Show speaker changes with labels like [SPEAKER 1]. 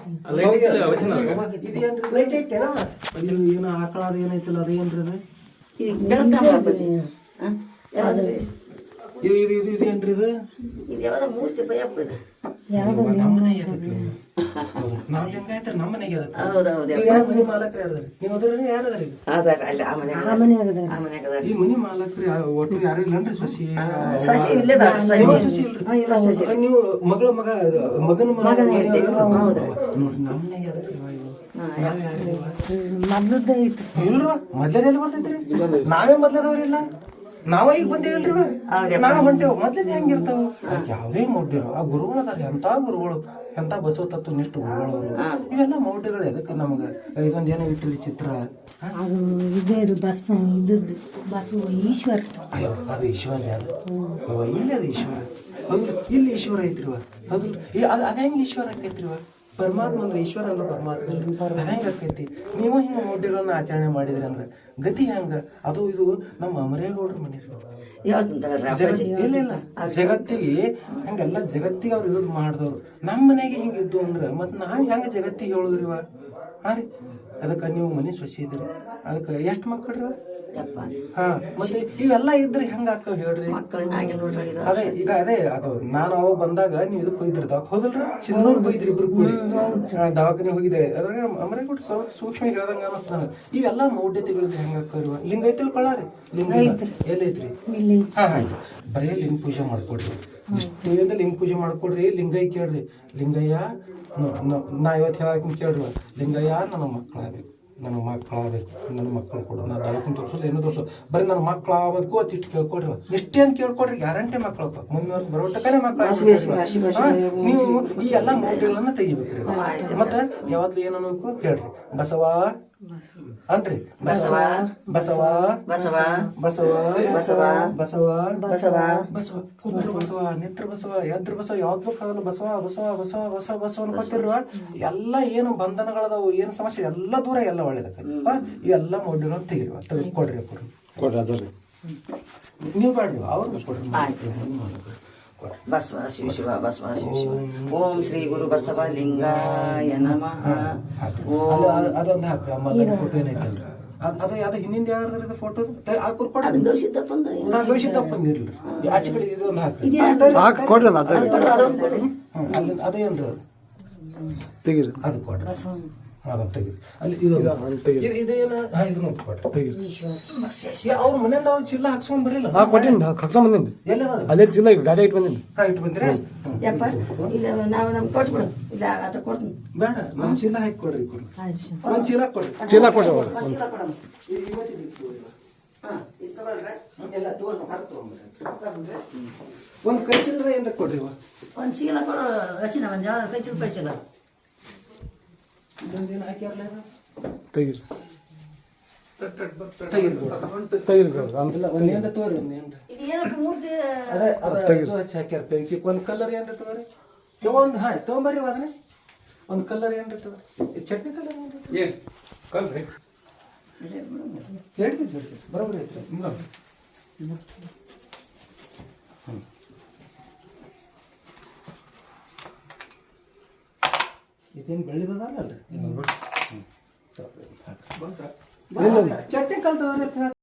[SPEAKER 1] ಏನು ಆಕಳ ಅದು ಏನೈತಿಲ್ಲ ಅದು ಏನ್ರಿ ಅದು ಇದೇನ್ರಿ ಇದು
[SPEAKER 2] ಮೂರ್ತಿ ಭಯಪ್ಪ ಇದು
[SPEAKER 1] ನಮ್ಮನೆ ನಾವ್ ಲಿಂಗಾಯತ್ರ ನಮ್ಮನೆಗೆ ಮನಿ ಮಾಲಕ್ರಿ ಯಾರದ್ರಿ ನೀವು ಅದ್ರಿ ಯಾರದ್ರಿ
[SPEAKER 2] ಅದಾರ ಅಲ್ಲಿ ಆ ಮನ್ಯಾಗ
[SPEAKER 1] ಈ ಮನಿ ಮಾಲಕ್ರಿ ಒಟ್ಟು ಯಾರು ಇಲ್ಲನ್ರಿ ಸೊಸಿ
[SPEAKER 2] ಸಸಿ ಇಲ್ಲದ
[SPEAKER 1] ನೀವು ಮಗಳ ಮಗನ ನೋಡ್ರಿ ನಮ್ಮನೆಗೆ ಇಲ್ರ ಮೊದ್ಲದೆಲ್ಲಿ ಬರ್ತೈತ್ರಿ ನಾವೇ ಮೊದ್ಲದವ್ರಿಲ್ಲ ನಾವ ಈಗ ಬಂದೇವಲ್ರಿ ನಾವ್ ಹೊಂಟೇವ್ ಮೊದ್ಲದ ಹೆಂಗಿರ್ತಾವ ಯಾವ್ದೇ ಮೌಢ್ಯರು ಆ ಗುರುಗಳು ಅದಾರ ಎಂತ ಗುರುಗಳು ಎಂತ ಬಸವ ತತ್ವ ನಿಷ್ಠ ಗುರುಗಳು ಇವೆಲ್ಲ ಮೌಢ್ಯಗಳು ಎದಕ್ಕೆ ನಮಗ ಇದೊಂದ್ ಏನೋ ಇಟ್ಟಿರಿ ಚಿತ್ರ
[SPEAKER 2] ಈಶ್ವರ
[SPEAKER 1] ಅದು ಈಶ್ವರ ಇಲ್ಲಿ ಅದು ಈಶ್ವರ ಹೌದು ಇಲ್ಲಿ ಈಶ್ವರ ಐತ್ರಿವ ಹೌದು ಅದ ಹೆಂಗ್ ಈಶ್ವರ ಆಕೈತ್ರಿವ ಪರಮಾತ್ಮ ಅಂದ್ರೆ ಈಶ್ವರ ಅಂದ್ರೆ ಪರಮಾತ್ಮ ಅದ ಹೆಂಗ ಆಕೈತಿ ನೀವು ಹಿಂಗ ಮೌಢ್ಯಗಳನ್ನ ಆಚರಣೆ ಮಾಡಿದ್ರಿ ಅಂದ್ರ ಗತಿ ಹೆಂಗ ಅದು ಇದು ನಮ್ಮ ಅಮರೇಗೌಡ್ರ ಮನೆ ಇಲ್ಲ ಜಗತ್ತಿಗೆ ಹಂಗೆಲ್ಲ ಜಗತ್ತಿಗೆ ಅವ್ರು ಇದು ಮಾಡಿದವ್ರು ನಮ್ಮ ಮನೆಗೆ ಹಿಂಗಿದ್ದು ಅಂದ್ರ ಮತ್ ನಾವ್ ಹೆಂಗ ಜಗತ್ತಿಗೆ ಹೇಳುದ್ರಿವ ಹಾ ರೀ ಅದಕ್ಕ ನೀವು ಮನೆ ಸೊಸಿ ಇದ್ರಿ ಅದಕ್ಕ ಎಷ್ಟ್ ಮಕ್ಕಳ್ರಿ ಹಾ ಮತ್ತೆ ಇವೆಲ್ಲ ಇದ್ರೆ ಹೆಂಗ ಆಕ ಹೇಳ್ರಿ ಅದೇ ಈಗ ಅದೇ ಅದು ನಾನು ಅವಾಗ ಬಂದಾಗ ನೀವು ಇದಕ್ಕೆ ಹೋಗಿದ್ರಿ ದವಾಖ ಹೋದಲ್ರಿ ಸಿಂಧೂರ್ ಹೋಗಿದ್ರಿ ಇಬ್ರು ಕೂಡಿ ದವಾಖಾನೆ ಹೋಗಿದ್ರೆ ಅದ್ರಾಗ ಅಮರೇಗೌಡ ಸೂಕ್ಷ್ಮ ಹೇಳ್ದಂಗ ಅನಸ್ತಾನ ಇವೆಲ್ಲ ಮೌಢ್ಯತೆಗಳಿದ್ರೆ ಹೆಂಗ ಆಕರಿವ ಲಿಂಗ ಐತಿಲ್ ಕೊಳ್ಳಾರಿ ಲಿಂಗ ಎಲ್ಲೈತ್ರಿ ಹಾ ಬರೀ ಲಿಂಗ ಪೂಜೆ ಮಾಡ್ಕೊಡ್ರಿ ಇಷ್ಟೇದ ಲಿಂಗ ಪೂಜೆ ಮಾಡ್ಕೊಡ್ರಿ ಲಿಂಗಯ್ಯ ಕೇಳ್ರಿ ಲಿಂಗಯ್ಯ ನಾ ಇವತ್ತು ಹೇಳಕ್ ಕೇಳ್ರಿ ಲಿಂಗಯ್ಯ ನನ್ನ ಮಕ್ಕಳಾಗಬೇಕು ನನ್ನ ಮಕ್ಕಳು ಕೊಡು ನಾ ದವಾಖಾನೆ ತೋರ್ಸೋದು ಏನೋ ತೋರ್ಸೋದು ಬರೀ ನನ್ನ ಮಕ್ಳು ಆಗಬೇಕು ಅಂತ ಇಟ್ಟು ಕೇಳ್ಕೊಡ್ರಿ ಇಷ್ಟೇ ಅಂತ ಕೇಳ್ಕೊಡ್ರಿ ಗ್ಯಾರಂಟಿ ಮಕ್ಕಳು ಮುಂದಿನ ವರ್ಷ ಬರೋ ಟಕ್ಕನೆ ಮಕ್ಕಳು ನೀವು ಈ ಎಲ್ಲ ಮೌಢ್ಯಗಳನ್ನ ತೆಗಿಬೇಕ್ರಿ ಮತ್ತೆ ಯಾವತ್ತು ಏನು ಅನ್ಬೇಕು ಹೇಳ್ರಿ ಬಸವ ಅನ್ರಿ ಬಸವ ಬಸವ ಬಸವ ಬಸವ ಬಸವ ಬಸವ ಬಸವ ಬಸವ ಕುತ್ರ ಬಸವ ನಿತ್ರ ಬಸವ ಎದ್ರ ಬಸವ ಯಾವ್ದು ಆಗಲ್ಲ ಬಸವ ಬಸವ ಬಸವ ಬಸವ ಬಸವ ಅನ್ಕೊತಿರುವ ಎಲ್ಲ ಏನು ಬಂಧನಗಳದಾವು ಏನು ಸಮಸ್ಯೆ ಎಲ್ಲ ದೂರ ಎಲ್ಲ ಒಳ್ಳೇದಕ್ಕೆ ಇವೆಲ್ಲ ಮೌಢ್ಯಗಳನ್ನ ತೆಗಿರಿ ಕೊಡ್ರಿ ಕೊಡ್ರಿ ನೀವು ಬಾಡ್ರಿ ಅವ್ರಿಗೆ ಕೊಡ್ರಿ
[SPEAKER 2] ಬಸವ ಶಿವ ಶಿವ ಬಸವ ಶಿವ ಶಿವ ಓಂ ಶ್ರೀ ಗುರು ಬಸವ ಲಿಂಗಾಯ ನಮಃ
[SPEAKER 1] ಅದೊಂದು ಹಾಕ್ರಿ ಅಮ್ಮ ಫೋಟೋ ಏನೈತಲ್ರಿ ಅದು ಯಾವ್ದು ಹಿಂದಿಂದ ಯಾರ್ದು ಫೋಟೋ ಹಾಕುರ್ ಕೊಡ್ರಿ ಗವಿಸಿದ್ದಪ್ಪಂದು ಇರ್ಲಿ ಆಚೆ ಕಡೆ ಇದೊಂದು ಹಾಕ್ರಿ ಅದೇನ್ರಿ ತೆಗೀರಿ ಅದು ಕೊಡ್ರಿ ಅದನ್ನ ತೆಗೀರಿ ಅಲ್ಲಿ ಇದೇನು ಇದನ್ನ ಕೊಡ್ರಿ ತೆಗೀರಿ ಅವ್ರ ಮನೆಯಿಂದ ಅವ್ರು ಚೀಲ ಹಾಕ್ಸ್ಕೊಂಡ್ ಬರಲಿಲ್ಲ ಹಾಕ್ಸ್ಕೊಂಡ್ ಬಂದಿದ್ದು ಎಲ್ಲ ಅಲ್ಲೇ ಚೀಲ ಗಾಡಿ ಇಟ್ಟು ಬಂದಿದ್ದು ಇಟ್ಟು ಬಂದ್ರಿ
[SPEAKER 2] ನಾವು ನಮ್ಗೆ ಕೊಟ್ಬಿಡು ಇಲ್ಲ ಅದ್ರ ಕೊಡ್ತೀನಿ
[SPEAKER 1] ಬೇಡ ನಮ್ ಚೀಲ ಹಾಕಿ ಕೊಡ್ರಿ ಒಂದ್ ಚೀಲ ಕೊಡ್ರಿ ಎಲ್ಲ ಒಂದ್ ಕೈ ಚಿಲ್ಲರ ಏನ್ರ ಕೊಡ್ರಿ
[SPEAKER 2] ಒಂದ್ ಚೀಲ ಕೊಡು ಹಸಿನ ಒಂದ್ ಯಾವ ಕೈ ಚೀಲ ಪೈಚಿಲ್ಲ
[SPEAKER 1] ತೆಗೀರಿ ಒಂದ್ ಕಲರ್ ಏನ್ರಿ ತಗೋರಿ ಒಂದ್ ತಗೊಂಬರ್ರಿ ಅದನ್ನ ಒಂದ್ ಕಲರ್ ಏನ್ರಿ ತಗೋರಿ ಚಟ್ನಿ ಕಲರ್ ಏನ್ರಿ ಹೇಳ್ತಿದ್ವಿ ಬರೋಬ್ರಿ ಐತ್ರಿ ಇದೇನು ಬೆಳೆದದಲ್ರಿ ಚಟ್ನಿ ಕಲ್ತದ